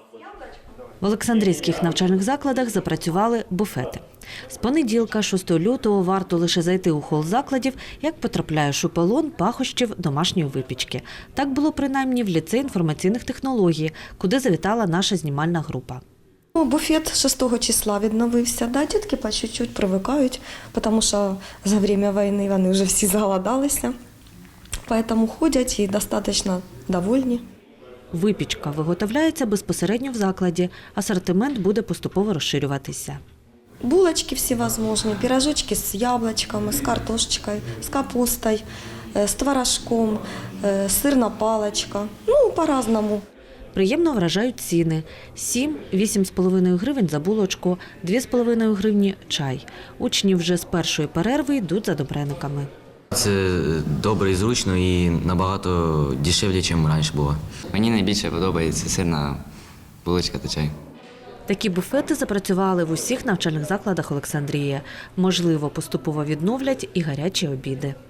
В Олександрійських навчальних закладах запрацювали буфети. З понеділка, 6 лютого, варто лише зайти у хол закладів, як потрапляєш у полон пахощів домашньої випічки. Так було принаймні в ліцеї інформаційних технологій, куди завітала наша знімальна група. Буфет 6 числа відновився. Да, дітки по чуть-чуть привикають, тому що за час війни вони вже всі заголодалися. Тому ходять і достатньо довольні. Випічка виготовляється безпосередньо в закладі. Асортимент буде поступово розширюватися. Булочки всевозможні, пирожочки з яблучками, з картошечкою, з капустою, з творожком, сирна паличка. Ну, по-разному. Приємно вражають ціни. 7–8,5 гривень за булочку, 2,5 гривні – чай. Учні вже з першої перерви йдуть за добрениками. Це добре і зручно і набагато дешевле, ніж раніше було. Мені найбільше подобається сирна булочка та чай. Такі буфети запрацювали в усіх навчальних закладах Олександрії. Можливо, поступово відновлять і гарячі обіди.